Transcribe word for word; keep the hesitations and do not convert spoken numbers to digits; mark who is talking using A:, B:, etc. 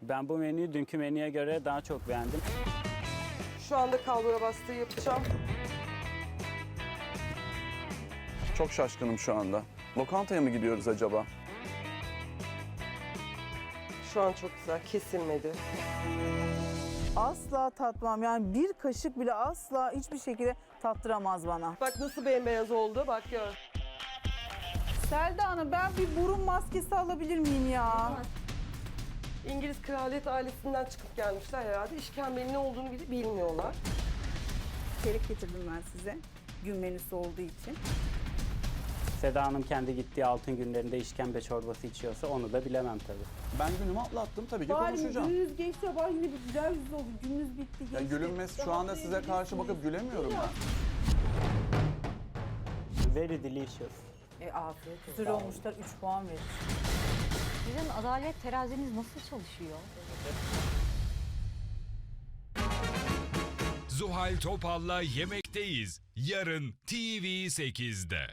A: Ben bu menüyü dünkü menüye göre daha çok beğendim.
B: Şu anda kalbura bastığı yapacağım.
C: Çok şaşkınım şu anda. Lokantaya mı gidiyoruz acaba?
B: Şu an çok güzel, kesilmedi.
D: Asla tatmam. Yani bir kaşık bile asla hiçbir şekilde tattıramaz bana.
B: Bak nasıl bembeyaz oldu, bak gör.
D: Selda Hanım, ben bir burun maskesi alabilir miyim ya?
B: İngiliz kraliyet ailesinden çıkıp gelmişler herhalde. İşkembenin ne olduğunu bile bilmiyorlar.
D: Çeyrek getirdim ben size. Gün menüsü olduğu için.
A: Seda Hanım kendi gittiği altın günlerinde işkembe çorbası içiyorsa onu da bilemem tabii.
C: Ben günümü atlattım tabii ki
D: Bari
C: konuşacağım.
D: gününüz geçti, sabah yine bir güzel yüz oldu. Gününüz bitti, geçti.
C: Ya gülünmez şu anda size karşı bakıp gülemiyorum ben.
A: Very delicious.
D: E afiyet. Güzel olmuşlar, üç puan verir.
E: Sizin adalet teraziniz nasıl çalışıyor?
F: Zuhal Topal'la Yemekteyiz. Yarın T V sekizde.